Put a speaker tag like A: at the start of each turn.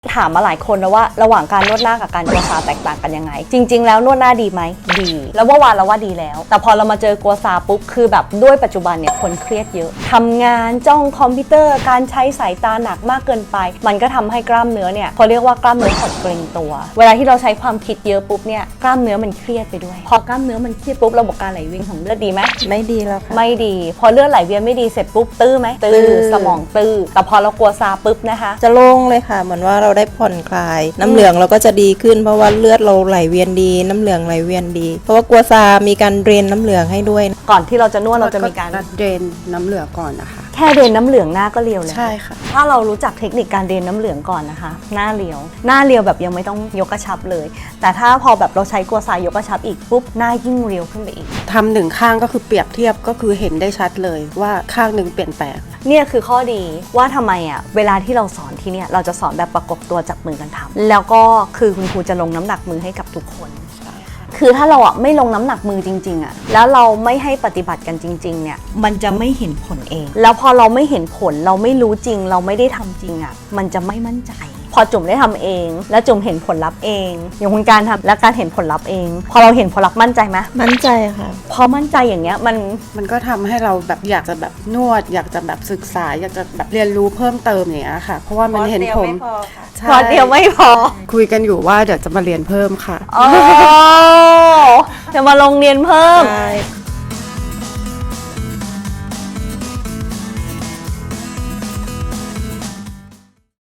A: ถามมาหลายคนแล้วว่าระหว่างการนวดหน้ากับการกัวซาแตกต่างกันยังไงจริงๆแล้วนวดหน้าดีไหมดีแล้วเมื่อวานเราว่าดีแล้วแต่พอเรามาเจอกัวซาปุ๊บคือแบบด้วยปัจจุบันเนี่ยคนเครียดเยอะทำงานจ้องคอมพิวเตอร์การใช้สายตาหนักมากเกินไปมันก็ทำให้กล้ามเนื้อเนี่ยเขาเรียกว่ากล้ามเนื้อหดเกร็งตัวเวลาที่เราใช้ความคิดเยอะปุ๊บเนี่ยกล้ามเนื้อมันเครียดไปด้วยพอกล้ามเนื้อมันเครียดปุ๊บระบบการไหลเวียนของเลือดดีไหม
B: ไม่ดีแล้วค่ะ
A: ไม่ดีพอเลือดไหลเวียนไม่ดีเสร็จปุ๊บตื้อไหมตื้อสมองตื้อแต่พอเรากัวซาปุ๊บนะคะ
B: จะโล่งเลยค่ะเหมือนว่าเราได้ผ่อนคลายน้ำเหลืองเราก็จะดีขึ้นเพราะว่าเลือดเราไหลเวียนดีน้ำเหลืองไหลเวียนดีเพราะว่ากัวซามีการเดรนน้ำเหลืองให้ด้วย
A: ก่อนที่เราจะนวดเราจะมีการ
C: เดรนน้ำเหลืองก่อนนะคะ
A: แค่เดรนน้ำเหลืองหน้าก็เรียวเลย
B: ใช่ค่ะ
A: ถ้าเรารู้จักเทคนิคการเดรนน้ำเหลืองก่อนนะคะหน้าเรียวแบบยังไม่ต้องยกกระชับเลยแต่ถ้าพอแบบเราใช้กัวซายกกระชับอีกปุ๊บหน้ายิ่งเรียวขึ้นไปอีก
C: ทำหนึ่งข้างก็คือเปรียบเทียบก็คือเห็นได้ชัดเลยว่าข้างหนึ่งเปลี่ยนแปลง
A: เนี่ยคือข้อดีว่าทำไมเวลาที่เราสอนที่เนี่ยเราจะสอนแบบประกบตัวจับมือกันทำแล้วก็คือคุณครูจะลงน้ำหนักมือให้กับทุกคนคือถ้าเราไม่ลงน้ำหนักมือจริงๆแล้วเราไม่ให้ปฏิบัติกันจริงๆเนี่ยมันจะไม่เห็นผลเองแล้วพอเราไม่เห็นผลเราไม่รู้จริงเราไม่ได้ทำจริงมันจะไม่มั่นใจพอจุ๋มได้ทำเองแล้วจุ๋มเห็นผลลัพธ์เองอย่างคุณการทำและการเห็นผลลัพธ์เองพอเราเห็นผลลัพธ์มั่นใจไหม
B: มั่นใจค่ะ
A: พอมั่นใจอย่างเงี้ย
C: มันก็ทำให้เราแบบอยากจะแบบนวดอยากจะแบบศึกษาอยากจะแบบเรียนรู้เพิ่มเติมอย่างเงี้ยค่ะเพราะว่ามันเห็นผม
A: พอเดียวไม่พอ
C: คุยกันอยู่ว่าเดี๋ยวจะมาเรียนเพิ่มค่ะ
A: จะมาลงเรียนเพิ่ม
B: ใช่